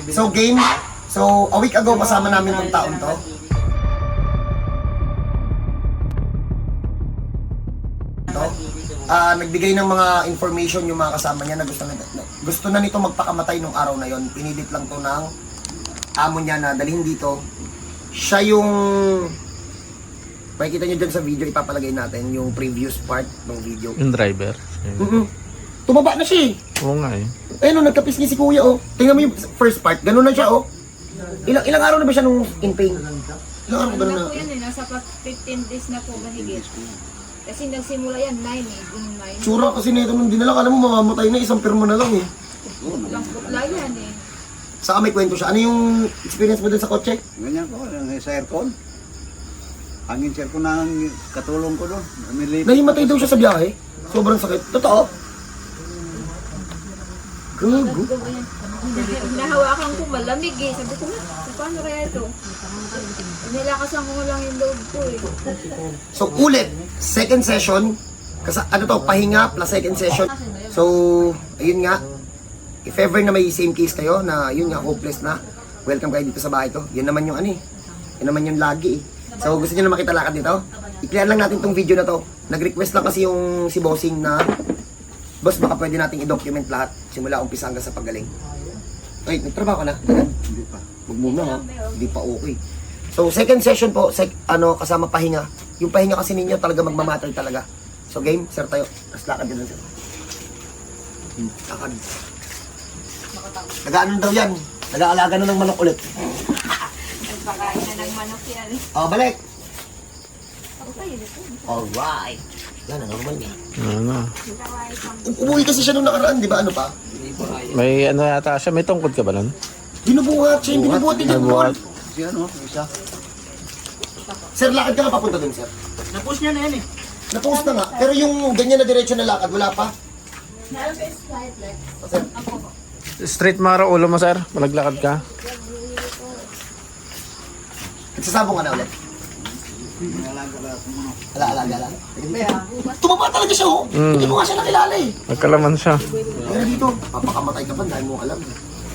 So game, so a week ago kasama namin tong taon to. Nagbigay ng mga information yung mga kasama niya na gusto na nito magpakamatay nung araw na yon. Pinilit lang to ng amo niya na dalhin dito. Siya yung makikita niyo dyan sa video, ipapalagay natin yung previous part ng video. Yung driver. Tumaba na siya eh. Oo nga eh. Ayun, nagkapisngi si kuya oh. Tingnan mo yung first part, ganun na siya oh. Ilang araw na ba siya nung in pain? Ilang araw ba Ano na? po yan eh, nasa 15 days na po mahigit. Kasi nagsimula yan, 9 eh, June 9. Tsura kasi nito nung dinala, alam mo mamamatay na, isang pirmo na lang eh. Lang putla yan eh. Saka may kwento siya. Ano yung experience mo dun sa kotse? Ganyan ko, sa aircon. Hangin sa aircon na ang katulong ko doon. Nahimatay daw siya sa biyahe. Sobrang sakit. Totoo? Gago. Nahawakan ko malamig eh. Sabi ko na, paano kaya ito? Nilakasan ko lang yung loob ko eh. So ulit, second session. Ano to, pahinga plus second session. So, ayun nga. If ever na may same case kayo na yun nga, hopeless na, welcome kayo dito sa bahay to. Yun naman yung ano eh. Yun naman yung lagi eh. So gusto niyo na makita lakad dito? I-clear lang natin tong video na to. Nag-request lang kasi yung si Bossing na, boss baka pwede nating i-document lahat simula umpisa hanggang sa paggaling. Ay, nagtrabaho ka na? Hindi pa. Huwag muna ha. Hindi pa okay. So second session po, kasama pahinga. Yung pahinga kasi ninyo talaga magmamatter talaga. So game, sir tayo. Mas lakad din sir. Lakad. Nag-ano daw yan? Nag-aalaga na ng manok ulit. Nagpakain na ng manok yan. Oh, balik! Ako kayo nito. Alright. Yan, normal niya. Ano? Umuwi kasi siya nung nakaraan, di ba? Ano pa? May ano yata siya. May tungkod ka ba nun? Binubuhat siya, yung binubuhat din yung Binubuhat. Si ano, isa. Sir, lakad ka na papunta dun, sir. Napos niya na yan eh. Napost na nga. Pero yung ganyan na diretso na lakad, wala pa. Sir, Straight maro ulo mo, sir. Malaglakad ka. nagsasabong ka na ulit. Nalaga-laga ko mga. Alaga lang. Tumaba talaga siya, oh. Hindi mo nga siya nakilala eh. Nagkalaman siya. Pero dito, papakamatay ka pa dahil mo alam.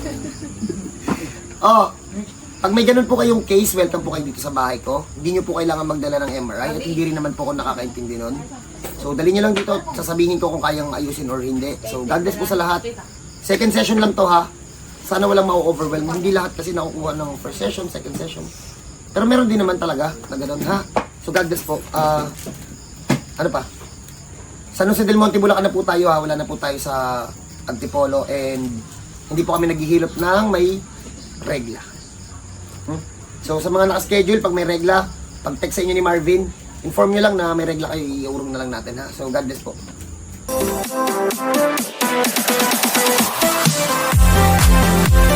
Oh, pag may ganun po kayong case, welcome po kayo dito sa bahay ko. Hindi nyo po kailangan magdala ng MRI at hindi rin naman po ako nakakaintindi nun. So, dali nyo lang dito, sasabihin ko kung kayang ayusin or hindi. So, God bless po sa lahat. Second session lang to ha. Sana walang ma-overwhelm. Hindi lahat kasi nakukuha ng first session, second session. Pero meron din naman talaga na ganun ha. So, God bless po. Ano pa? San Jose del Monte, Bulacan na po tayo ha. Wala na po tayo sa Antipolo and hindi po kami naghihilop ng may regla. So sa mga naka-schedule, pag may regla, pag text sa inyo ni Marvin, inform nyo lang na may regla kayo, iurong na lang natin ha. So God bless po.